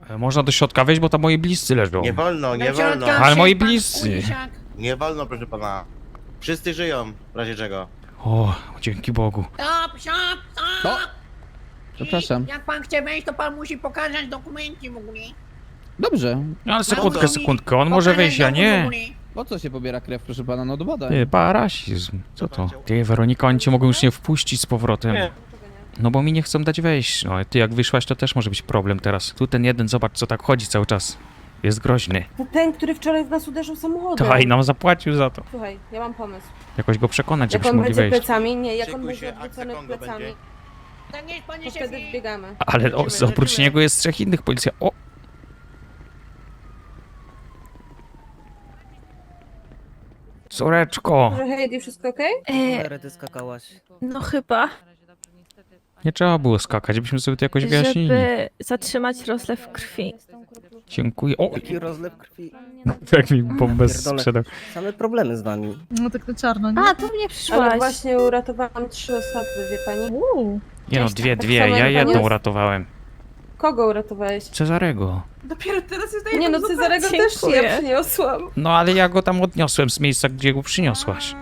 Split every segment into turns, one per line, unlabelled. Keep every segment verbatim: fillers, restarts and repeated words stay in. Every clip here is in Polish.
Można do środka wejść, bo tam moi bliscy leżą.
Nie wolno, nie wolno.
Ale moi bliscy.
Nie wolno, proszę pana. Wszyscy żyją, w razie czego.
O, dzięki Bogu.
Stop, stop, stop!
No. Przepraszam.
Jak pan chce wejść, to pan musi pokazać dokumenty w ogóle.
Dobrze.
No ale sekundkę, sekundkę, on może
Pokazać
wejść, ja
dowód w
nie.
ogóle.
Po co się pobiera krew, proszę pana? No do badań.
Ty, parasizm. Co to? Ty, Weronika, oni cię mogą już nie wpuścić z powrotem.
Nie.
No bo mi nie chcą dać wejść. No, ty jak wyszłaś, to też może być problem teraz. Tu ten jeden, zobacz, co tak chodzi cały czas. Jest groźny.
To ten, który wczoraj w nas uderzył samochodem.
To i nam zapłacił za to.
Słuchaj, ja mam pomysł.
Jakoś go przekonać,
Jak
żebyśmy
on
mogli
będzie
wejść.
plecami, nie, jak on
Szykuj
będzie
się, akcja
odwrócony
Kongo
plecami,
będzie.
Tak jest, panie
to wtedy
szefie.
wbiegamy.
Ale o, oprócz niego jest trzech innych policjantów. O! Córeczko!
Może Heidi, wszystko okej?
E,
ty skakałaś.
no chyba,
Nie trzeba było skakać, byśmy sobie to jakoś wyjaśnili.
żeby zatrzymać rozlew krwi.
Dziękuję. O!
Jaki rozlew krwi.
Jak mi bombę
Pierdolę.
sprzedał.
Same problemy z nami.
No tak na czarno, nie?
A, to mnie
Ale
przyszłaś.
właśnie uratowałam trzy osoby, wie pani?
Uuu.
Nie no, dwie,
Tak
dwie,
samo
ja
jak
jedną
pan jest-
uratowałem.
Kogo uratowałeś?
Cezarego.
Dopiero teraz jest
Nie no, Cezarego też
Dziękuję.
ja przyniosłam.
No ale ja go tam odniosłem z miejsca, gdzie go przyniosłaś.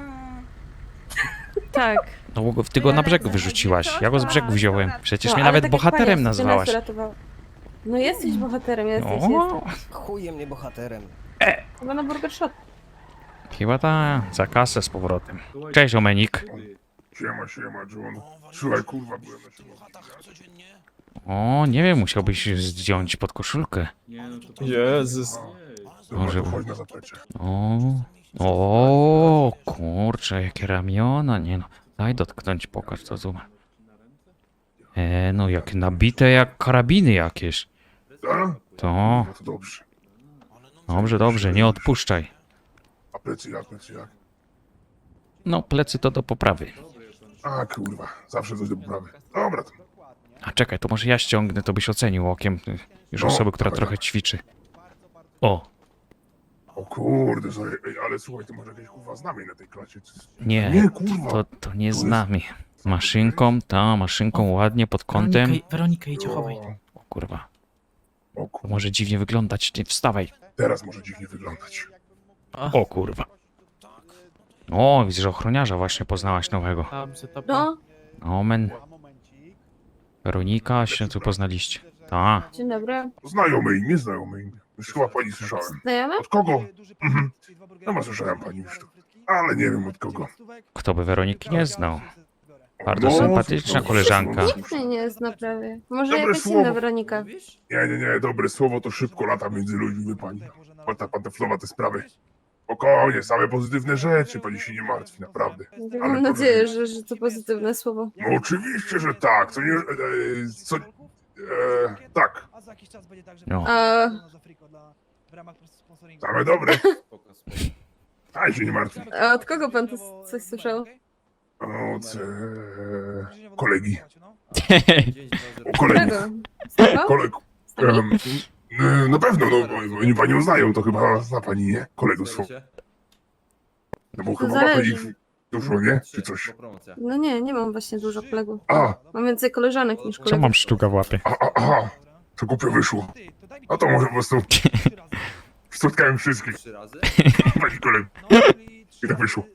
Tak.
No bo go- ty go na brzeg wyrzuciłaś, ja go z brzegu wziąłem. Przecież
No,
mnie
ale
nawet
tak jak
bohaterem
pani, ty nas
nazwałaś.
uratował- No jesteś bohaterem, jesteś,
O,
jesteś.
Chuje mnie bohaterem.
Chyba na Burger Shot.
chyba ta, za kasę z powrotem. Cześć Omenik.
Siema, siema, John. Słuchaj, kurwa, byłem na siłowni.
O, nie wiem, musiałbyś zdjąć pod koszulkę.
Jezus.
Może-
Może chodź na zaplecze.
O, o, kurczę, jakie ramiona, nie no. Daj dotknąć, pokaż to zoom. E, no jak nabite jak karabiny jakieś.
Tak?
To,
No to dobrze.
dobrze, dobrze, nie odpuszczaj.
A plecy jak, plecy jak?
No, plecy to do poprawy.
A kurwa, zawsze coś do poprawy. Dobra, to.
A czekaj, to może ja ściągnę, to byś ocenił okiem y, już
No,
osoby, która
dawaj,
trochę
dawaj.
ćwiczy. O,
O kurde, sorry, ej, ale słuchaj, to może jakieś kurwa znamie na tej klasie.
nie,
Nie, kurwa.
to, to nie z nami. Maszynką, ta, maszynką ładnie pod kątem.
Weronika, Weronika idź chowaj.
O,
O kurwa,
o
to
kurwa,
może dziwnie wyglądać, nie wstawaj.
teraz może dziwnie wyglądać.
O kurwa. O, widzę, że ochroniarza właśnie poznałaś nowego.
No,
Omen. Weronika, się tu poznaliście. Ta.
dzień dobry.
Znajome imię, znajome imię. Już chyba pani słyszałem.
Znajome?
Od kogo? Mhm. No ma słyszałem pani już to. Ale nie wiem od kogo.
Kto by Weroniki nie znał? Bardzo
No,
sympatyczna
no,
koleżanka.
no,
Nikt mnie nie zna prawie. Może
Dobre
jakaś
słowo.
inna Weronika.
Nie, nie, nie, dobre słowo to szybko lata między ludźmi, wie pani. Pan panteflowa te sprawy. Spokojnie, same pozytywne rzeczy, pani się nie martwi, naprawdę. Ale
Mam nadzieję, że, że to pozytywne słowo.
No oczywiście, że tak, co nie... E, co... E, tak,
No.
A,
same dobre. A się nie martwi.
a od kogo pan to coś słyszał?
Od e, kolegi. O kolegów.
Którego? Z tego?
Kolegów. Em, e, na pewno, no, bo oni panią znają, to chyba zna pani, nie? Kolegów swoich. No bo
To
chyba ma pani
zależy.
ich dużo, nie? Czy coś?
No nie, nie mam właśnie dużo kolegów.
A,
Mam więcej koleżanek niż
Co
kolegów.
mam sztuka w łapie?
a, a, aha, to głupio wyszło. A to może po prostu spotkałem wszystkich. Pani kolegów. I tak wyszło.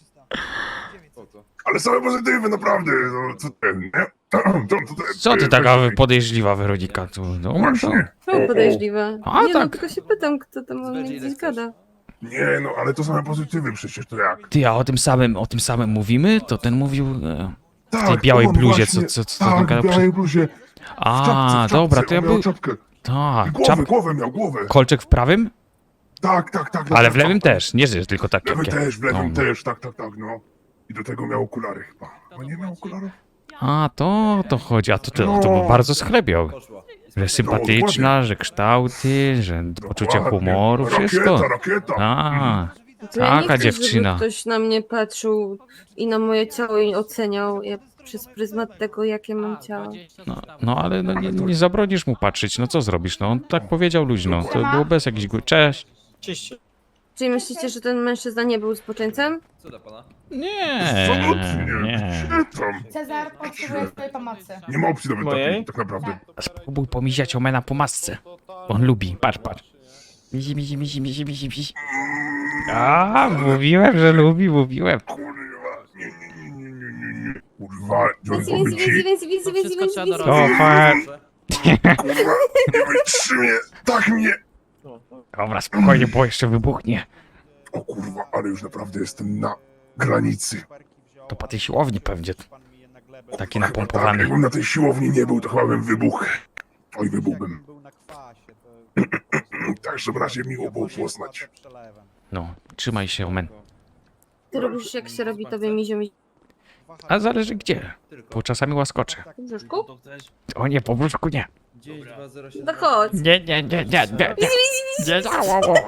Ale same pozytywy, naprawdę, no co ten, nie? To, to, to,
Co ty taka podejrzliwa Weronika tu? No,
Właśnie.
Czemu podejrzliwe?
A,
nie no,
tak.
tylko się pytam, kto tam o mnie gdzieś gada.
Nie, no ale to same pozytywy przecież, to jak?
Ty, a o tym samym, o tym samym mówimy? To ten mówił e,
Tak,
w tej białej
on
bluzie,
właśnie-
co, co, co ten
Tak,
gadał
w
przed...
białej bluzie. W
A,
czapce, w
dobra,
czapce,
to ja
on miał
był...
czapkę.
Tak,
I głowę,
czap...
głowę miał, głowę.
kolczek w prawym?
Tak, tak, tak.
Ale
tak,
w lewym
tak.
też, nie że tylko tak
W lewym
jak ja.
też, w lewym
No.
też, tak, tak, tak, no. I do tego miał okulary chyba. Chyba nie miał okularów?
A, to o to chodzi, a to, to, to był bardzo schlebiał. Że sympatyczna, że kształty, że poczucie
Dokładnie.
humoru, wszystko.
Rakieta, rakieta.
A,
To ja nie
taka
chcę,
dziewczyna.
Żeby ktoś na mnie patrzył i na moje ciało i oceniał ja, przez pryzmat tego, jakie mam ciało.
No, no ale no, nie, nie zabronisz mu patrzeć, no co zrobisz? No on tak powiedział luźno, to było bez jakichś... gó- Cześć.
Czyli myślicie, że ten mężczyzna nie był zboczeńcem?
Nie,
Absolutnie.
nie.
Gdzie tam?
Cezar potrzebuje twojej pomocy.
Nie ma opcji nawet takiej, tak naprawdę.
Spróbuj pomiziać Omena po masce. On lubi, patrz, patrz. Misi, misi, misi, misi, misi, misi. A, mówiłem, że lubi, mówiłem.
Kurwa, nie, nie, nie, nie, nie, nie, nie. Kurwa, John,
Więcej,
powiem
więcej,
ci,
więcej, więcej, więcej, więcej, więcej,
To fa...
kurwa, nie wytrzymie, tak mnie.
Dobra, spokojnie, bo jeszcze wybuchnie.
O kurwa, ale już naprawdę jestem na granicy.
To po tej siłowni pewnie. Taki
Chyba
napompowany.
Tak, jakbym na tej siłowni nie był, to chyba bym wybuchł. Oj, wybuchłbym. Także w razie miło było poznać.
No, trzymaj się, omen.
Ty robisz jak się robi tobie mizio mi
A zależy gdzie. Bo czasami łaskoczę.
w brzuszku?
O nie, po brzuszku nie.
No chodź.
Nie, nie, nie, nie, nie. Nie, nie, nie, o, o.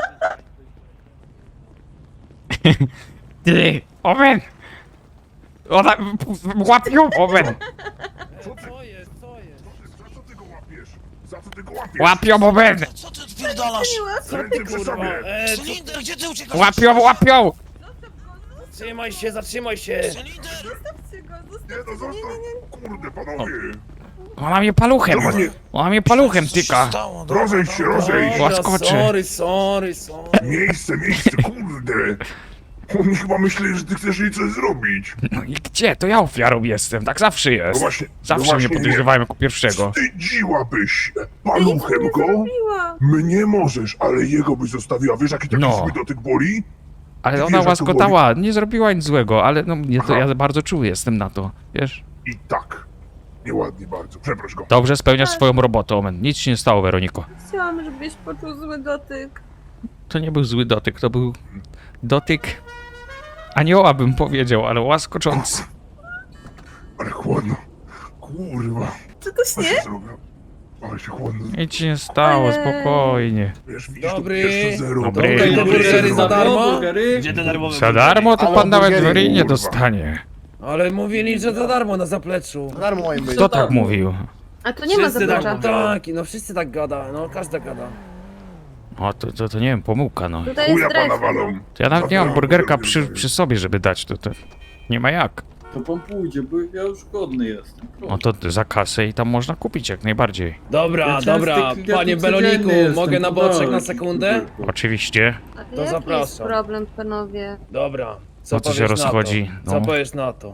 Ty, omen! Ona... Łapią, omen!
Co jest, co jest? Za co ty go łapiesz? Za co ty go łapiesz?
Łapią, omen!
Co ty odpierdalasz?
Ręce przy sobie!
E, co?
Cylinder, gdzie ty uciekasz?
Łapią, łapią!
Zatrzymaj się, zatrzymaj się!
Cylinder!
Nie no, zostaw! Kurde, panowie!
Ona mnie paluchem!
Dobra, nie.
Ona mnie paluchem
Co się
tyka!
stało? No.
Rozejdź się, rozejdź!
Dobra,
Łaskoczy.
sorry, sorry, sorry.
Miejsce, miejsce, kurde! Oni chyba myśleli, że ty chcesz jej coś zrobić.
No i gdzie? To ja ofiarą jestem, tak zawsze
No
jest.
właśnie,
Zawsze
no
mnie
właśnie
podejrzewają jako pierwszego.
Nie. Wstydziłabyś się. Paluchem go?
Zrobiła.
Mnie możesz, ale jego byś zostawiła. Wiesz, jaki taki
No.
zły dotyk boli?
Ale
Ty
ona
wiesz, jak to
łaskotała, nie zrobiła nic złego, ale no mnie to,
Aha.
ja bardzo czuły jestem na to, wiesz?
I tak. Nieładnie bardzo. Przeproś go.
Dobrze spełniasz swoją robotę, Omen. Nic się nie stało, Weroniko.
Chciałam, żebyś poczuł zły dotyk.
To nie był zły dotyk, to był dotyk anioła, bym powiedział, ale łaskoczący.
Ale chłodno. Kurwa.
Czy to
Co się zrobiło? Ale się chłodno.
Nic się nie stało,
Ojej.
spokojnie.
Wiesz, widzisz,
Dobry.
tu jeszcze zero.
Dobry.
Tutaj te
Dobry.
burgery za darmo?
Gdzie te darmowe
Za darmo to
Ale
pan nawet w
burgery,
ryj nie
kurwa.
dostanie.
Ale mówili, że za darmo na zapleczu.
Darmo mają być.
Kto tak mówił?
A to nie ma
Wszyscy
zaplecza.
tak, tak, no wszyscy tak gada, no każda gada.
O, to, to, to nie wiem, pomyłka, no.
Tutaj jest
Chuja pana
dres.
walą.
To ja nawet nie mam burgerka przy, przy sobie, żeby dać, to, to nie ma jak.
To pan pójdzie, bo ja już godny jestem.
No to za kasę i tam można kupić jak najbardziej.
Dobra,
Ja
dobra,
częsty- ja
panie
tu
Beloniku,
codziennie jestem,
mogę na
to
boczek
tak.
na sekundę?
Oczywiście.
A
To
jaki jest
zapraszam.
problem, panowie?
Dobra, co
No co się
powiesz na
rozchodzi?
to? Co
No.
powiesz na to?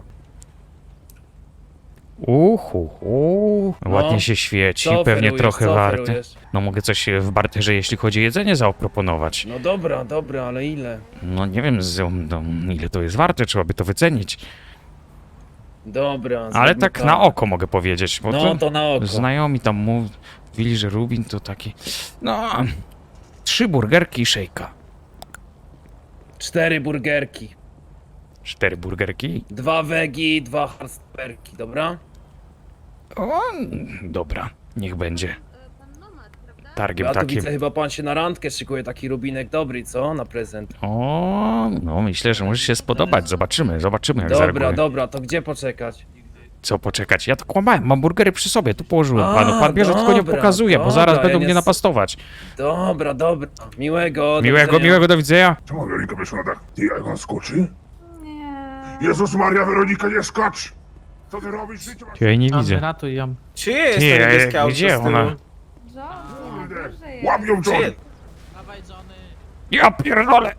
Uhu, hu.
No.
Ładnie się świeci,
Co
pewnie
oferujesz,
trochę
co
warte.
oferujesz?
No mogę coś w barterze, jeśli chodzi o jedzenie, zaproponować.
No dobra, dobra, ale ile?
No nie wiem, z, no, ile to jest warte, trzeba by to wycenić.
Dobra,
Ale
zróbmy
tak na oko mogę powiedzieć, bo
No
to
to na oko.
znajomi tam mówili, że Rubin to taki... No, trzy burgerki i szejka.
Cztery burgerki.
Cztery burgerki?
Dwa wegi, dwa hardsterki, dobra?
O, dobra, niech będzie.
Pan Nomad, prawda?
Targiem
Ja tu
takim.
widzę, chyba pan się na randkę szykuje, taki rubinek dobry, co? Na prezent.
O, no myślę, że może się spodobać. Zobaczymy, zobaczymy jak
Dobra,
zareaguje.
dobra, to gdzie poczekać?
Co poczekać? Ja to kłamałem, mam burgery przy sobie, tu położyłem
A,
panu. Pan bierze, tylko nie
dobra,
pokazuje, bo
dobra,
zaraz
ja
będą
nie
mnie
s-
napastować.
Dobra, dobra. Miłego. do
Miłego,
widzenia.
miłego, do widzenia.
Czemu Weronika weszła na dach? Ty, jak on skoczy?
Nie.
Jezus Maria, Weronika, nie skacz! Co ty robisz? Życie masz...
Ja jej nie widzę.
Ratuj ją.
Czy jest
Ty,
to
a
niebieskie auto
gdzie
z tyłu?
ona?
Kurde, łapią John!
Czy-
Ja pierdolę!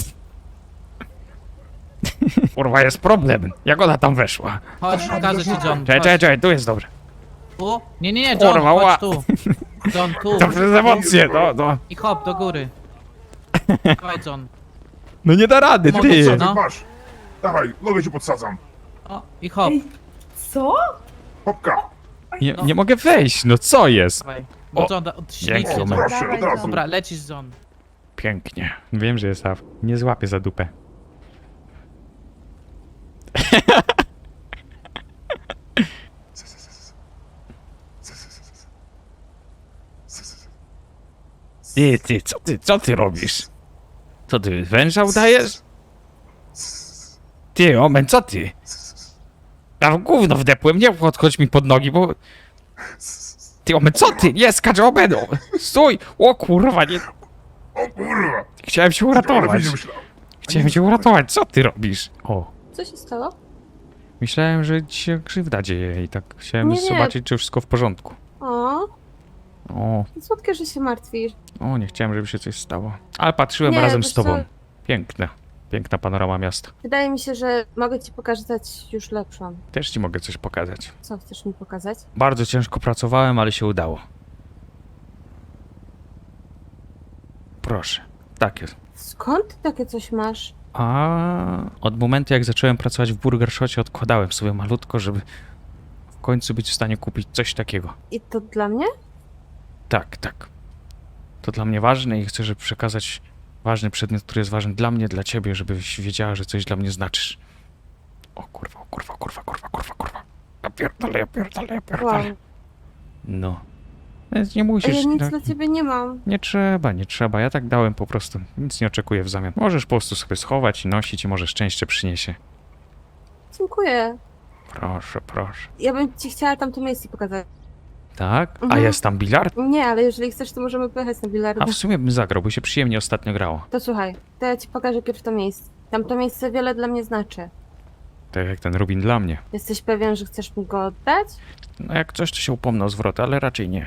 Kurwa, jest problem. Jak ona tam weszła?
Chodź, pokażę ci John.
Czekaj, czekaj, czekaj, tu jest dobrze.
Tu? Nie, nie, nie, John,
Kurwa, ła.
chodź tu. John, tu.
To przez emocje, no, no.
I hop, do góry. Dawaj, John.
No nie da rady,
Mogę
ty.
co?
Ty,
No.
masz! Dawaj, nogę ci podsadzam.
O, i hop.
Co?
Hopka!
Nie, nie mogę wejść, no co jest?
Dawaj. Bo
O,
John, da- od
O,
ślicznie, John.
proszę, od razu.
Dobra, lecisz, John.
Pięknie. Wiem, że jest Af. Nie złapię za dupę. Ty, ty, co ty, co ty robisz? Co ty, węża udajesz? Ty, omen, co ty? Ja w gówno wdepłem, nie podchodź mi pod nogi, bo... Ty, omen, co ty? Nie, skacz, omen! o, Stój! O kurwa, nie...
O kurwa!
Chciałem się
Ale
uratować.
nie myślałem.
Chciałem cię uratować, co ty robisz? O,
Co się stało?
myślałem, że ci się krzywda dzieje i tak chciałem
Nie, nie.
zobaczyć, czy wszystko w porządku.
O,
O,
Słodkie, że się martwisz.
o, nie chciałem, żeby się coś stało. Ale patrzyłem
Nie,
razem
wiesz
z tobą.
co?
Piękne. Piękna panorama miasta.
Wydaje mi się, że mogę ci pokazać już lepszą.
Też ci mogę coś pokazać.
Co chcesz mi pokazać?
Bardzo ciężko pracowałem, ale się udało. Proszę. Tak jest.
Skąd ty takie coś masz?
A od momentu, jak zacząłem pracować w Burger Shocie, odkładałem sobie malutko, żeby w końcu być w stanie kupić coś takiego.
I to dla mnie?
Tak, tak. To dla mnie ważne i chcę, żeby przekazać ważny przedmiot, który jest ważny dla mnie, dla ciebie, żebyś wiedziała, że coś dla mnie znaczysz. O kurwa, o kurwa, kurwa, kurwa, kurwa, kurwa. Ja pierdolę, ja pierdolę, ja
Wow.
pierdolę. No. Więc nie
A
musisz...
ja nic
no,
dla ciebie nie mam.
nie trzeba, nie trzeba. Ja tak dałem po prostu. Nic nie oczekuję w zamian. Możesz po prostu sobie schować i nosić i może szczęście przyniesie.
Dziękuję.
Proszę, proszę.
Ja bym ci chciała tamto miejsce pokazać.
Tak? A
Mhm.
jest tam bilard?
Nie, ale jeżeli chcesz, to możemy pojechać na
A
bilardę.
w sumie bym zagrał, bo się przyjemnie ostatnio grało.
To słuchaj, to ja ci pokażę pierw to miejsce. Tamto miejsce wiele dla mnie znaczy.
Tak jak ten Rubin dla mnie.
Jesteś pewien, że chcesz mi go oddać?
No jak coś, to się upomnę o zwrot, ale raczej nie.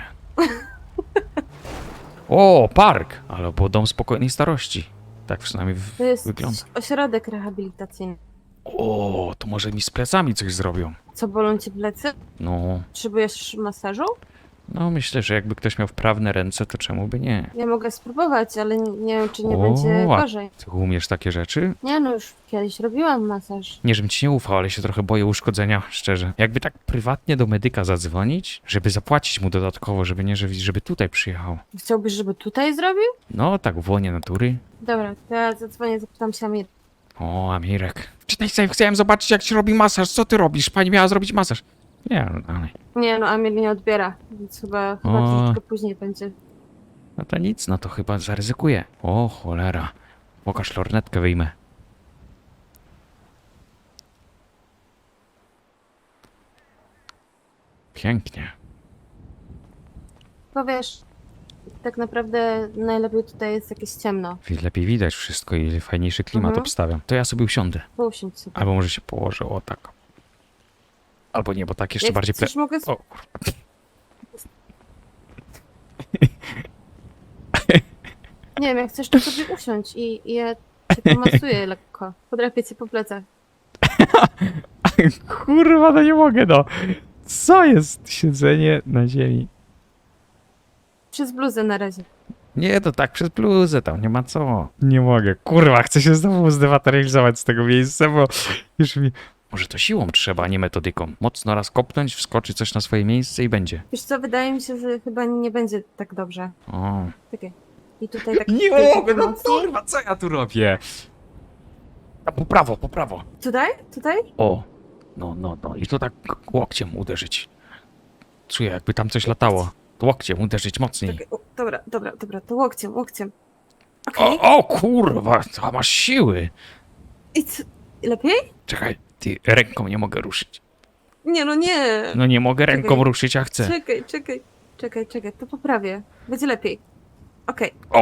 O, park! Ale było dom spokojnej starości. Tak przynajmniej w-
To jest
wygląda.
ośrodek rehabilitacyjny.
O, to może mi z plecami coś zrobią.
Co, bolą ci plecy?
No,
Potrzebujesz masażu?
no myślę, że jakby ktoś miał wprawne ręce, to czemu by nie?
Ja mogę spróbować, ale nie, nie wiem, czy nie
O,
będzie
a-
gorzej.
Ty umiesz takie rzeczy?
Nie no, już kiedyś robiłam masaż.
Nie, żebym ci nie ufał, ale się trochę boję uszkodzenia, szczerze. Jakby tak prywatnie do medyka zadzwonić, żeby zapłacić mu dodatkowo, żeby nie, żeby, żeby tutaj przyjechał.
Chciałbyś, żeby tutaj zrobił?
No, tak w łonie natury.
Dobra, to ja zadzwonię, zapytam się Amir.
O, Amirek. Czytaj sobie, chciałem zobaczyć, jak się robi masaż. Co ty robisz? Pani miała zrobić masaż. Nie, no dalej.
Nie no, Amir nie odbiera, więc chyba, chyba
O.
troszeczkę później będzie.
No to nic, no to chyba zaryzykuję. O, cholera. Pokaż lornetkę, wyjmę. Pięknie.
Powiesz, tak naprawdę najlepiej tutaj jest jakieś ciemno.
Wi- Lepiej widać wszystko i fajniejszy klimat
Mhm.
obstawiam. To ja sobie usiądę.
Pousiądź sobie.
Albo może się położę, o tak. Albo nie, bo tak jeszcze
Jak
bardziej ple...
chcesz, mogę... sp-
O, kurwa.
Nie wiem, jak chcesz, to sobie usiądź i, i ja cię pomasuję lekko. Podrapię cię po plecach.
Kurwa, no nie mogę, no. Co jest siedzenie na ziemi?
Przez bluzę na razie.
Nie, to tak przez bluzę, tam nie ma co. Nie mogę. Kurwa, chcę się znowu zdematerializować z tego miejsca, bo już mi... Może to siłą trzeba, a nie metodyką. Mocno raz kopnąć, wskoczy coś na swoje miejsce i będzie.
Wiesz co, wydaje mi się, że chyba nie będzie tak dobrze.
O.
Takie. I tutaj tak...
Nie
tutaj
mogę, no
mocniej.
kurwa, co ja tu robię? A po prawo, po prawo.
Tutaj? Tutaj?
O. No, no, no. I to tak łokciem uderzyć. Czuję, jakby tam coś latało. Łokciem uderzyć mocniej.
Czekaj, o, dobra, dobra, dobra, to łokciem, łokciem. Okej.
O, o kurwa, to masz siły.
I co? Lepiej?
Czekaj, ty ręką nie mogę ruszyć.
Nie, no nie.
No nie mogę ręką
Czekaj.
ruszyć, a chcę.
Czekaj, czekaj, czekaj, czekaj, to poprawię. Będzie lepiej. Okej.
O!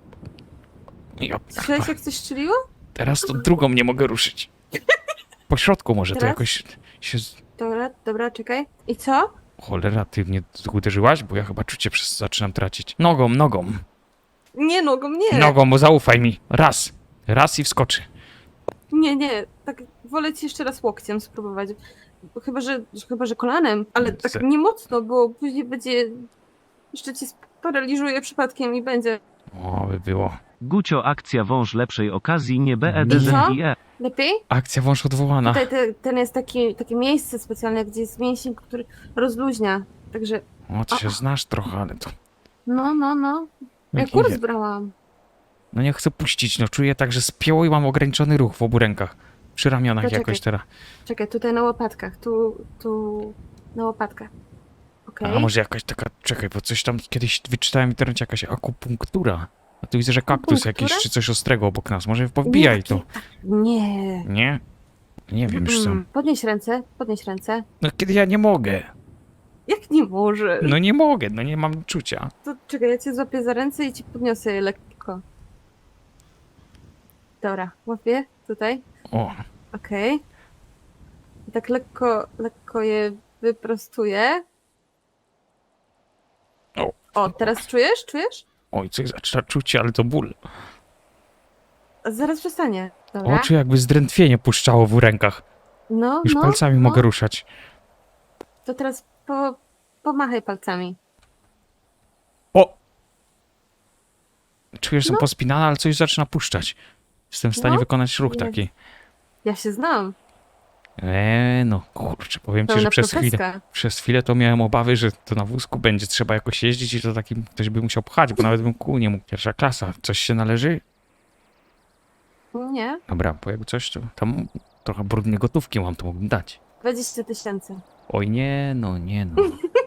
Ja,
Słyszałeś, jak coś strzeliło?
teraz to drugą nie mogę ruszyć. Po środku może to
Teraz?
jakoś się... z-
Dobra, dobra, czekaj. I co?
Cholera, ty mnie uderzyłaś? Bo ja chyba czucie przez... zaczynam tracić. Nogą, nogą.
Nie, nogą nie.
Nogą, bo zaufaj mi. Raz. Raz i wskoczy.
Nie, nie, tak wolę ci jeszcze raz łokciem spróbować. Chyba, że, chyba, że kolanem, ale tak
Se-
nie mocno, bo później będzie... Jeszcze cię sparaliżuje przypadkiem i będzie...
O, by było.
Gucio akcja wąż lepszej okazji nie
I co?
BEDZIE.
Lepiej?
Akcja wąż odwołana.
Tutaj te, ten jest taki, takie miejsce specjalne, gdzie jest mięsień, który rozluźnia. Także,
O, ty się znasz trochę, ale to...
no, no, no. Ja
Jak
kurs
idzie.
brałam.
No nie chcę puścić, no czuję tak, że spięło i mam ograniczony ruch w obu rękach. Przy ramionach
Poczekaj.
jakoś teraz.
Czekaj, tutaj na łopatkach, tu, tu, na łopatkach. Okej.
A może jakaś taka, czekaj, bo coś tam kiedyś wyczytałem w internecie, jakaś akupunktura. A tu widzę, że kaktus
Akupunktura?
jakiś czy coś ostrego obok nas. Może powbijaj
Nie,
to.
takie- Nie.
Nie? Nie wiem już co.
Mm, Podnieś ręce, podnieś ręce.
No kiedy ja nie mogę.
Jak nie możesz?
No nie mogę, no nie mam czucia.
To czekaj, ja cię złapię za ręce i ci podniosę je lekko. Dobra, łapię tutaj.
O,
Okej. I tak lekko, lekko je wyprostuję.
O.
O, teraz czujesz? Czujesz?
Oj, coś zaczyna czuć, ale to ból.
Zaraz przestanie. Dobra.
Oczy jakby zdrętwienie puszczało w rękach.
No,
Już
no,
palcami
no.
mogę ruszać.
To teraz po, pomachaj palcami.
O! Czuję, że są
No.
pospinane, ale coś zaczyna puszczać. Jestem w stanie
No.
wykonać ruch
Jest.
taki.
Ja się znam.
Eee, no kurczę, powiem ci, że
Pełna
przez chwilę,
profeska.
przez chwilę to miałem obawy, że to na wózku będzie trzeba jakoś jeździć i to takim ktoś by musiał pchać, bo nawet bym kół nie mógł. Pierwsza klasa. Coś się należy?
Nie,
Dobra, bo jakby coś, to tam trochę brudnej gotówki mam, to mógłbym dać.
dwadzieścia tysięcy.
Oj nie, no nie no.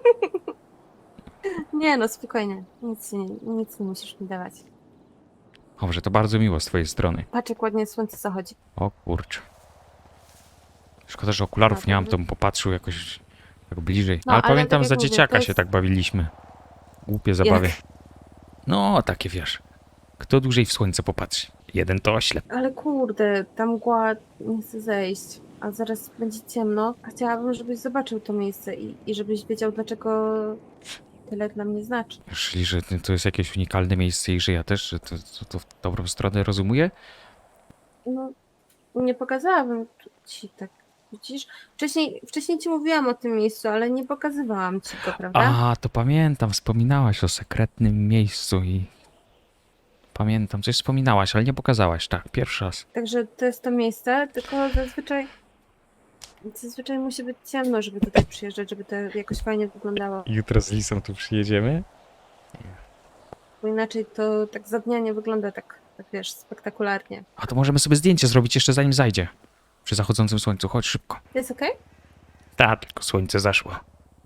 Nie no, spokojnie. Nic, nie, nic nie musisz mi dawać.
Dobrze, to bardzo miło z twojej strony.
Patrz, jak ładnie słońce zachodzi.
O kurczę. Szkoda, że okularów
Tak,
nie mam,
dobrze.
to bym popatrzył jakoś tak bliżej.
No,
ale,
ale
pamiętam,
tak jak
za
mówię,
dzieciaka
to
się
jest-
tak bawiliśmy. Głupie zabawy. No, takie wiesz. Kto dłużej w słońce popatrzy? Jeden to oślep.
Ale kurde, ta mgła nie chce zejść. A zaraz będzie ciemno. A chciałabym, żebyś zobaczył to miejsce i, i żebyś wiedział, dlaczego tyle dla mnie znaczy.
Czyli, że to jest jakieś unikalne miejsce i że ja też, że to, to, to w dobrą stronę rozumuję?
No, nie pokazałabym ci tak. Widzisz? Wcześniej, wcześniej ci mówiłam o tym miejscu, ale nie pokazywałam ci go, prawda?
A, to pamiętam, wspominałaś o sekretnym miejscu i... Pamiętam, coś wspominałaś, ale nie pokazałaś, tak, pierwszy raz.
Także to jest to miejsce, tylko zazwyczaj zazwyczaj musi być ciemno, żeby tutaj przyjeżdżać, żeby to jakoś fajnie wyglądało.
Jutro z Lisą tu przyjedziemy?
Bo inaczej to tak za dnia nie wygląda tak, tak wiesz, spektakularnie.
A to możemy sobie zdjęcie zrobić jeszcze zanim zajdzie. Przy zachodzącym słońcu, chodź szybko.
Jest okej?
Tak, tylko słońce zaszło.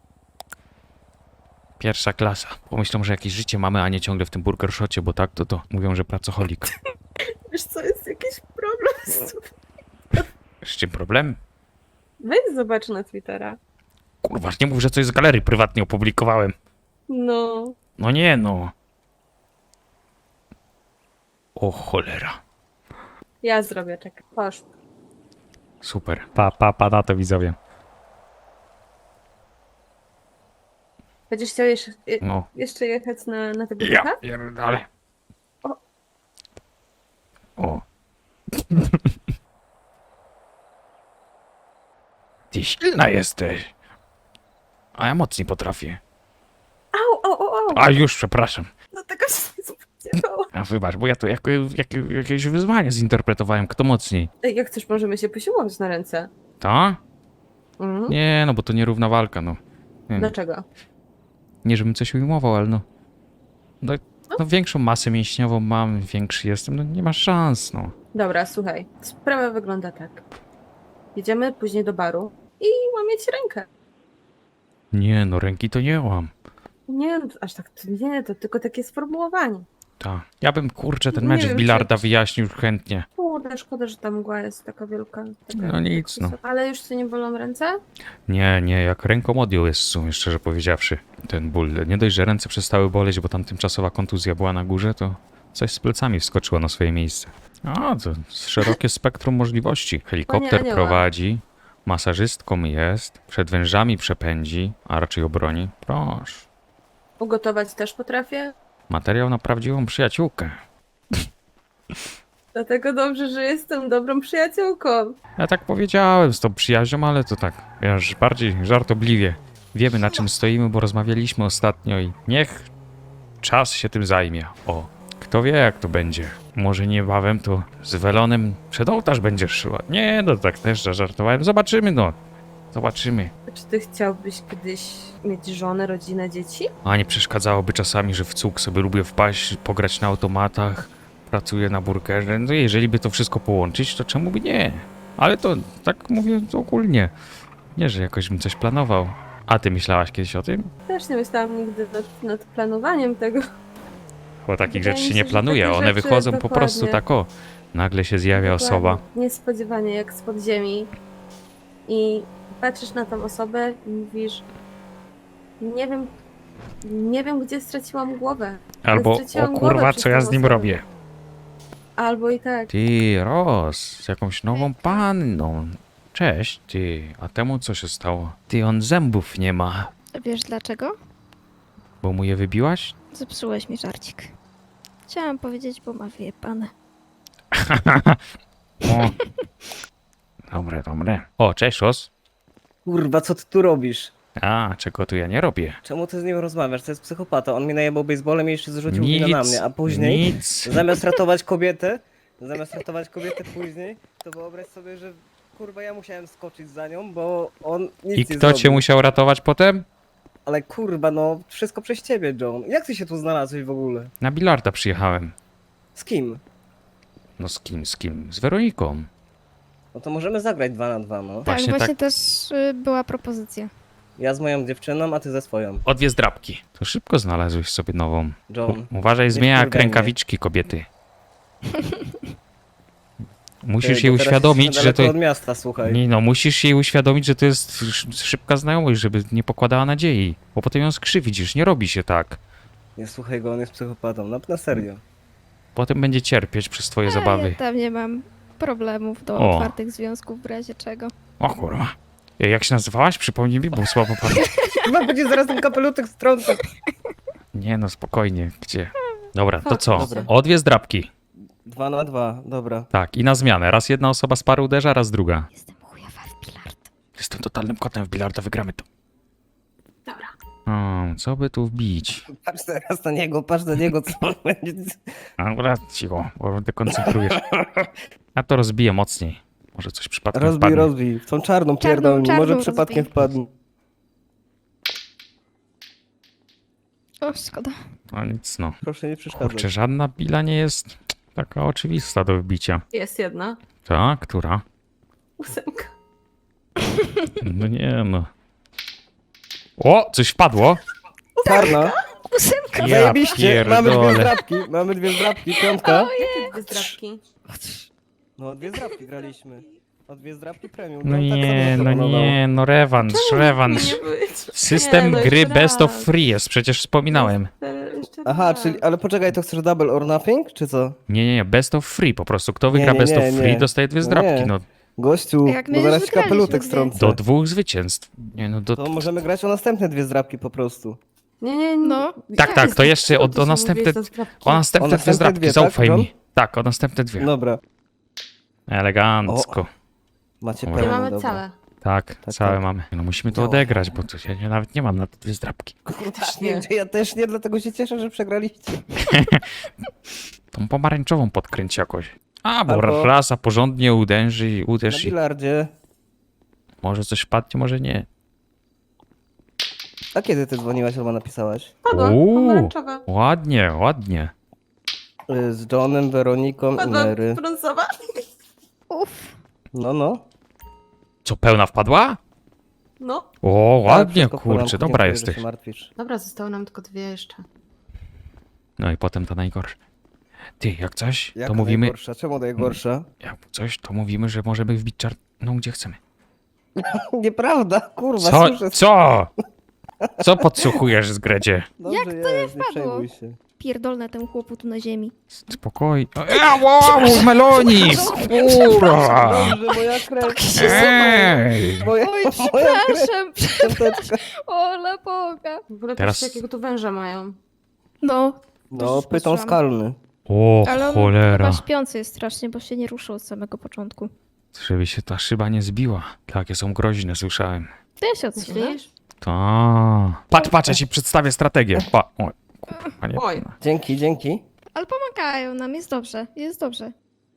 Pierwsza klasa. Pomyślą, że jakieś życie mamy, a nie ciągle w tym burger shocie, bo tak to to mówią, że pracoholik.
Wiesz co, jest jakiś problem z tym.
Z czym problem?
Weź zobacz na Twittera.
Kurwa, nie mów, że coś z galerii prywatnie opublikowałem.
No.
No nie no. O cholera.
Ja zrobię, czekaj. Posz.
Super. Pa, pa, pa na to widzowie.
Będziesz chciał jeszcze, je-
No.
jeszcze jechać na, na tego
Ja
ducha?
pierdolę.
O.
O. Ty silna jesteś. A ja mocniej potrafię.
Au, au, au, au.
A już, przepraszam.
No tego się nie spodziewałam.
A wybacz, bo ja to jako, jak, jakieś wyzwanie zinterpretowałem. Kto mocniej?
Ej, jak chcesz, możemy się posiłować na ręce.
To?
Mhm.
Nie, no bo to nierówna walka, no. Nie,
Dlaczego?
nie żebym coś ujmował, ale no, no... No większą masę mięśniową mam, większy jestem, no nie ma szans, no.
Dobra, słuchaj. Sprawa wygląda tak. Jedziemy później do baru i łamieć rękę.
Nie, no ręki to nie łam.
Nie, aż tak to nie, to tylko takie sformułowanie.
Tak. Ja bym, kurczę, ten
Nie
mecz
wiem,
z bilarda
czy-
wyjaśnił chętnie.
Kurde, szkoda, że ta mgła jest taka wielka. Taka,
No nic, no.
Ale już ci nie bolą ręce?
Nie, nie, jak ręką odjął jest w sumie, szczerze powiedziawszy, ten ból. Nie dość, że ręce przestały boleć, bo tam tymczasowa kontuzja była na górze, to coś z plecami wskoczyło na swoje miejsce. A, to szerokie spektrum możliwości. Helikopter
Anioła.
prowadzi, masażystką jest, przed wężami przepędzi, a raczej obroni. Proszę.
Ugotować też potrafię.
Materiał na prawdziwą przyjaciółkę.
Dlatego dobrze, że jestem dobrą przyjaciółką.
Ja tak powiedziałem z tą przyjaźnią, ale to tak, wiesz, bardziej żartobliwie. Wiemy, na czym stoimy, bo rozmawialiśmy ostatnio i niech czas się tym zajmie. O, kto wie, jak to będzie. Może niebawem to z welonem przed ołtarz będziesz szła. Nie, no tak też żartowałem. Zobaczymy, no. Zobaczymy.
A czy ty chciałbyś kiedyś mieć żonę, rodzinę, dzieci?
A nie przeszkadzałoby czasami, że w cuk sobie lubię wpaść, pograć na automatach, pracuję na burgerze. No jeżeli by to wszystko połączyć, to czemu by nie? Ale to tak mówię to ogólnie. Nie, że jakoś bym coś planował. A ty myślałaś kiedyś o tym?
Też nie myślałam nigdy nad, nad planowaniem tego.
Bo takich
Wydaje
rzeczy
mi
się
się,
nie
że
planuje,
takie
one
rzeczy
wychodzą po prostu
dokładnie.
tak o. Nagle się zjawia osoba.
Dokładnie. Niespodziewanie, jak spod ziemi. I patrzysz na tą osobę i mówisz, nie wiem, nie wiem, gdzie straciłam głowę.
Albo,
straciłam
o
głowę
kurwa,
przez
co ja
tą
z nim
osobę.
robię?
Albo i tak.
Ty, Ros, z jakąś nową panną. Cześć, ty, a temu co się stało? Ty, on zębów nie ma.
Wiesz dlaczego?
Bo mu je wybiłaś?
Zepsułeś mi żarcik. Chciałam powiedzieć, bo ma wyjebane.
O. Dobre, dobre. O, cześć, Os.
Kurwa, co ty tu robisz?
A, czego tu ja nie robię?
Czemu ty z nim rozmawiasz? To jest psychopata. On mnie najebał baseballem i jeszcze zrzucił
Nic,
winę na mnie, a później
nic.
zamiast ratować kobietę, zamiast ratować kobietę później, to wyobraź sobie, że kurwa ja musiałem skoczyć za nią, bo on nic
I
nie
kto
zrobił.
cię musiał ratować potem?
Ale kurwa, no wszystko przez ciebie, John. Jak ty się tu znalazłeś w ogóle?
Na bilarda przyjechałem.
Z kim?
No z kim, z kim? Z Weroniką.
No to możemy zagrać dwa na dwa, no.
Właśnie
tak, właśnie
tak.
też y, była propozycja.
Ja z moją dziewczyną, a ty ze swoją.
O dwie zdrabki. To szybko znalazłeś sobie nową.
John.
U- uważaj,
nie
zmienia jak
wkurwiaj mnie.
rękawiczki kobiety. Musisz
Ty,
jej
bo teraz
uświadomić,
jesteśmy
że to...
daleko od miasta, słuchaj.
Nie no, musisz jej uświadomić, że to jest sz- szybka znajomość, żeby nie pokładała nadziei. Bo potem ją skrzywidzisz, nie robi się tak.
Nie słuchaj go, on jest psychopatą. Na, na serio.
Potem będzie cierpieć przez twoje
A
zabawy.
ja tam nie mam problemów do
O.
otwartych związków w razie czego.
O kurwa. Ej, jak się nazywałaś? Przypomnij mi, bo słabo pamiętam.
Chyba będzie zaraz ten kapelutek strącał.
Nie no, spokojnie, gdzie? Dobra, to
Fuck,
co?
dobra.
O dwie zdrabki.
Dwa na dwa, dobra.
Tak, i na zmianę. Raz jedna osoba z pary uderza, raz druga.
Jestem chujowa w bilard.
Jestem totalnym kotem w bilarda, wygramy to.
Dobra.
O, co by tu wbić?
Patrz teraz na niego, patrz na niego, co on będzie...
Dobra, cicho, bo dekoncentrujesz. Ja to rozbiję mocniej. Może coś przypadkiem
Rozbij,
wpadnie.
rozbij. W tą czarną
Czarną,
pierdolni,
czarną
może
rozbij.
przypadkiem wpadnie.
O, szkoda.
No nic no.
Proszę nie przeszkadzać.
Kurczę, żadna pila nie jest taka oczywista do wbicia.
Jest jedna.
Ta, która?
Ósemka.
No nie no. O, coś wpadło.
Czarna.
Ósemka.
Ja
Zajebiście, mamy dwie
pierdolę.
zdrabki, mamy dwie zdrabki, piątka.
Dwie zdrabki.
No, dwie zdrabki graliśmy. O dwie zdrabki premium.
No
John tak
nie,
samo
no
proponował.
nie, no rewanż, rewanż. System
Nie, no
gry
jeszcze
Best of
raz.
Free jest, przecież wspominałem.
Jeszcze
Aha,
raz.
czyli, ale poczekaj, to chcesz double or nothing, czy co?
Nie, nie, nie, Best of Free po prostu. Kto
Nie,
wygra
nie,
Best
nie,
of Free,
nie.
dostaje dwie
No
zdrabki,
nie.
no.
Gościu,
Jak my
bo
już
zaraz ci
wygraliśmy
kapelutek
dwie.
strącę.
Do dwóch zwycięstw. Nie no, do...
To możemy grać o następne dwie zdrabki po prostu.
Nie, nie, nie.
No.
Tak, tak, to jeszcze o,
Co ty
o
się
następne...
mówisz za zdrabki?
O następne
O
dwie
następne
zdrabki,
dwie,
zaufaj
tak,
mi. Tak, o następne dwie.
Dobra,
Elegancko.
macie
Dobra.
Nie
pełno,
mamy
dobra.
całe.
Tak,
Tak,
całe
tak.
mamy. No musimy to
No.
odegrać, bo to ja nie, nawet nie mam na te dwie zdrabki.
Też nie, ja też nie, dlatego się cieszę, że przegraliście.
Tą pomarańczową podkręć jakoś. A, bo
Albo-
rasa porządnie uderzy i
Na
uderz i
bilardzie.
może coś wpadnie, może nie.
A kiedy ty dzwoniłaś albo napisałaś?
Padła,
Uuu.
pomarańczowa.
Ładnie, ładnie.
Y, Z Johnem, Weroniką i
Padła
Mary.
brązowa.
Uff.
No, no.
Co, pełna wpadła?
No.
O,
Tak,
ładnie,
wszystko w porządku,
kurczę, dobra
dziękuję, że
jesteś.
się martwisz.
Dobra, zostały nam tylko dwie jeszcze.
No i potem to najgorsze. Ty, jak coś,
Jak
to mówimy...
najgorsza? Czemu najgorsza?
Jak coś, to mówimy, że możemy wbić czarną gdzie chcemy.
Nieprawda, kurwa,
Co?
słyszę.
Co? Co podsłuchujesz z Gredzie?
Dobrze
Jak to nie
jest, nie
wpadło?
przejmuj się.
Pierdolne temu chłopu tu na ziemi.
Spokojnie. Ej, wow, melonik! Kurwa!
Dobrze, moja krew.
Ej!
Moja,
Oj,
moja krew.
przepraszam.
Piąteczka.
Ola Boga.
W ogóle
Teraz-
patrzcie, jakiego tu węża mają.
No.
No,
Już
pyton
słyszałam.
skalny.
O,
Ale on
cholera.
chyba śpiący jest strasznie, bo się nie ruszył od samego początku.
Żeby się ta szyba nie zbiła. Takie są groźne, słyszałem.
To ja się odsunę.
Myślisz?
Ta. Patrz, patrz, ja ci przedstawię strategię. Pa. O, kurwa, nie.
Oj.
Dzięki, dzięki.
Ale pomagają nam, jest dobrze, jest dobrze.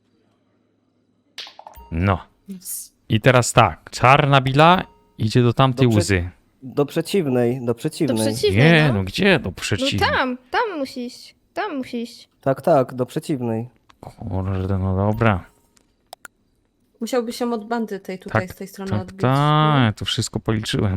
No. I teraz tak. Czarna bila idzie do tamtej
Do prze-
łzy.
Do przeciwnej, do
To
przeciwnej.
przeciwnej,
Nie,
no.
no gdzie do
No
przeciwnej?
tam, tam musi iść. Tam musi iść.
Tak, tak, do przeciwnej.
Kurde, no dobra.
Musiałby się od bandy tej tutaj
Tak,
z tej strony
Tak,
odbić.
tak, to wszystko policzyłem.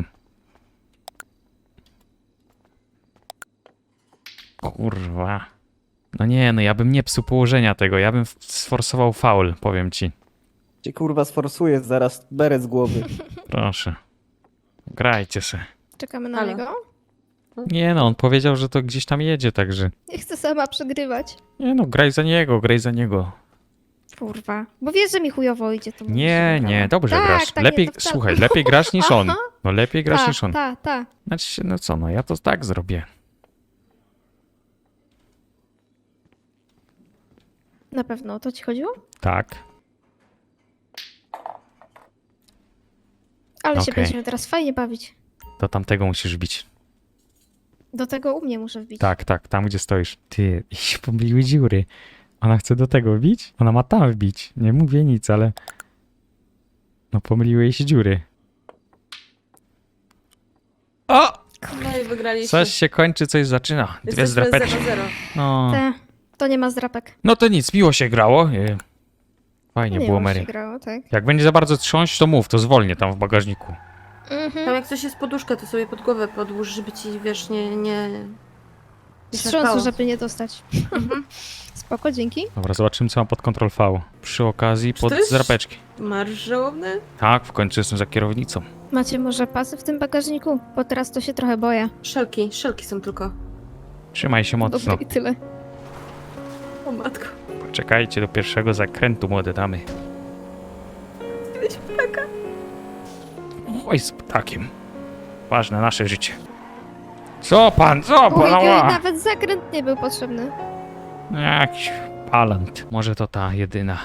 Kurwa. No nie, no ja bym nie psuł położenia tego, ja bym f- sforsował faul, powiem ci.
Cię kurwa sforsuje zaraz beret z głowy.
Proszę. Grajcie se.
Czekamy na
Halo?
niego.
Nie no, on powiedział, że to gdzieś tam jedzie, także...
Nie chcę sama przegrywać.
Nie no, graj za niego, graj za niego.
Kurwa. Bo wiesz, że mi chujowo idzie, to bym
Nie,
się
nie,
wybrała.
dobrze
tak,
grasz.
Tak,
lepiej,
nie, to wcale-
słuchaj, lepiej grasz niż on.
Aha.
No lepiej grasz
Ta,
niż on.
ta, ta.
Znaczy, no co, no ja to tak zrobię.
Na pewno o to ci chodziło?
Tak.
Ale się
Okej.
będziemy teraz fajnie bawić.
Do tamtego musisz bić.
Do tego u mnie muszę wbić.
Tak, tak, tam gdzie stoisz. Ty, i się pomyliły dziury. Ona chce do tego wbić? Ona ma tam wbić. Nie mówię nic, ale... No pomyliły jej się dziury. O!
No i wygraliście.
Coś się kończy, coś zaczyna. Dwie zdrapeczki.
zero zero.
No.
Te, to nie ma zdrapek.
No to nic, miło się grało. E, Fajnie
nie
było,
ma się
Mary.
grało, tak.
Jak będzie za bardzo trząść, to mów, to zwolnię tam w bagażniku.
Mhm.
Tam jak coś jest poduszka, to sobie pod głowę podłóż, żeby ci, wiesz, nie... nie... nie
Wstrząsu,
szarpało.
żeby nie dostać. Spoko, dzięki.
Dobra, zobaczymy, co mam pod Ctrl V. Przy okazji
Czy
pod
to jest-
zdrapeczki.
Marsz żałobny?
Tak, w końcu jestem za kierownicą.
Macie może pasy w tym bagażniku? Bo teraz to się trochę boję.
Szelki, szelki są tylko.
Trzymaj się mocno.
Dobra, i tyle.
O matko.
Poczekajcie do pierwszego zakrętu, młode damy.
Kiedyś ptaka.
Oj, z ptakiem. Ważne nasze życie. Co pan, co pan?
Ojej,
Ała.
nawet zakręt nie był potrzebny.
Jakiś palant. Może to ta jedyna.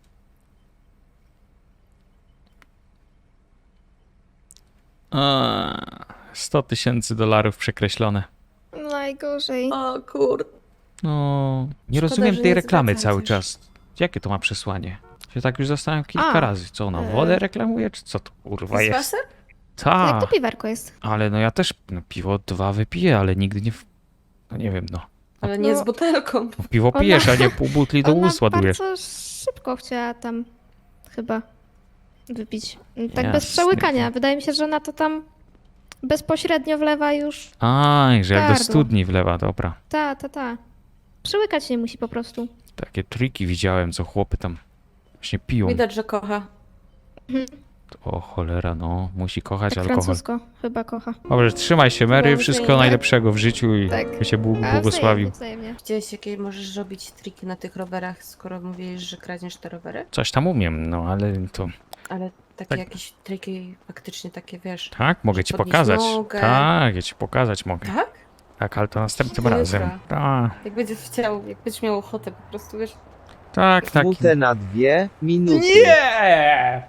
Eee, sto tysięcy dolarów przekreślone.
Najgorzej.
O kur...
No, nie
Szkoda,
rozumiem
że
tej
nie
reklamy
zwracać
cały
już.
czas. Jakie to ma przesłanie? Się tak już zastanawiam kilka
A,
razy. Co ona,
e.
wodę reklamuje, czy co to kurwa
Z
jest?
wasem?
Jak
Tak,
to piwerko jest?
ale no ja też no, piwo dwa wypiję, ale nigdy nie... W... No nie wiem, no.
Ale nie
No.
z butelką.
No, piwo
Ona-
pijesz, a nie pół butli do
Ona
ust ładujesz.
bardzo szybko chciała tam chyba wypić. Tak bez
Jasne.
przełykania. Wydaje mi się, że ona to tam bezpośrednio wlewa już.
Aj, że jak do
Gardło.
studni wlewa, dobra.
Ta, ta, ta. Przełykać nie musi po prostu.
Takie triki widziałem, co chłopy tam właśnie piją.
Widać, że kocha.
O cholera, no, musi kochać
Tak
alkohol.
francusko chyba kocha.
Dobrze, trzymaj się, Mary,
Dobrze,
wszystkiego
tak.
najlepszego w życiu i
Tak.
by się Bóg
A
błogosławił.
wzajemnie, wzajemnie.
Widziałeś, jakie możesz robić triki na tych rowerach, skoro mówisz, że kradniesz te rowery?
Coś tam umiem, no ale to...
Ale takie
Tak.
jakieś triki faktycznie takie, wiesz...
Tak, mogę
Że
ci
podnieść
pokazać.
nogę.
Tak, ja ci pokazać mogę.
Tak?
Tak, ale to następnym
Dobra.
razem. Tak,
Jak będziesz chciał, jak będziesz miał ochotę po prostu, wiesz...
tak, tak.
Minutę na dwie minuty.
Nie!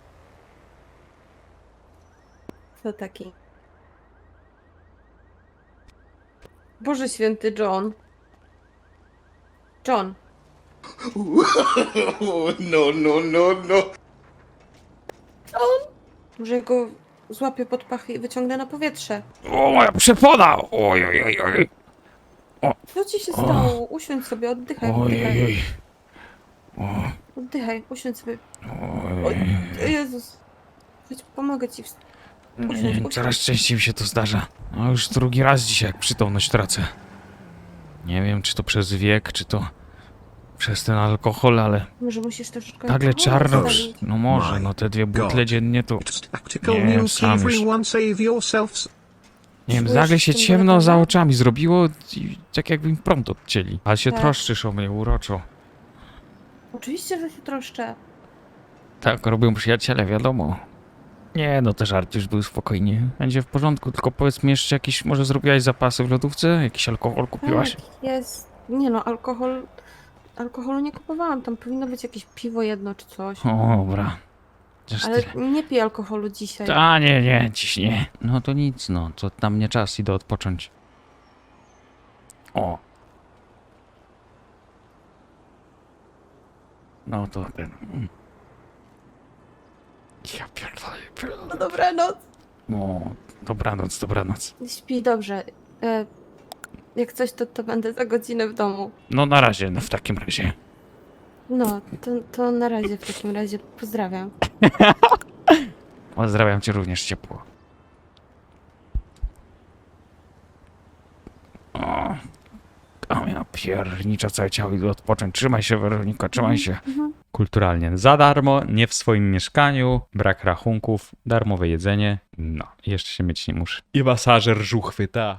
To taki... Boże święty John. John.
No, no, no, no.
Może ja go złapię pod pachy i wyciągnę na powietrze.
O, moja przepona! Oj, oj, oj, oj.
Co ci się stało? Usiądź sobie, oddychaj,
Oj,
oddychaj.
oj,
Oddychaj, usiądź sobie.
oj.
O Jezus. Chodź, pomogę ci. wst- Usiądź,
Nie,
usiądź.
coraz częściej mi się to zdarza. No już drugi raz dzisiaj, jak przytomność tracę. Nie wiem, czy to przez wiek, czy to przez ten alkohol, ale
Może musisz troszeczkę...
nagle
alkoholu
czarno...
zostawić.
No może, no te dwie butle dziennie to...
Tactical
Nie,
news,
sam już.
everyone save yourselves.
Nie wiem,
Czujesz
nagle się
w tym
ciemno
bólem,
za
prawda?
oczami zrobiło i tak jakby im prąd odcięli. Ale się
Tak.
troszczysz o mnie uroczo.
Oczywiście, że się troszczę.
Tak robią przyjaciele, wiadomo. Nie, no te żart już był spokojnie. Będzie w porządku, tylko powiedz mi jeszcze jakieś, może zrobiłaś zapasy w lodówce? Jakiś alkohol kupiłaś?
Tak, jest. Nie no, alkohol... Alkoholu nie kupowałam. Tam powinno być jakieś piwo jedno czy coś.
O, dobra. Chociaż
Ale
tyle.
nie piję alkoholu dzisiaj.
A nie, nie, dziś nie. No to nic, no, to tam nie czas, idę odpocząć. O. No to ten... mm. Ja pierdolę,
No
pierdolę.
dobranoc.
O, dobranoc, dobranoc.
Śpi dobrze. E, jak coś, to, to będę za godzinę w domu.
No na razie, no w takim razie.
No, to, to na razie w takim razie. Pozdrawiam.
Pozdrawiam cię również ciepło. O, tam ja piernicza całe ciało, idę odpocząć. Trzymaj się, Weronika, trzymaj się. Kulturalnie. Za darmo, nie w swoim mieszkaniu, brak rachunków, darmowe jedzenie. No, jeszcze się mieć nie muszę. I masażer żuchwy, ta.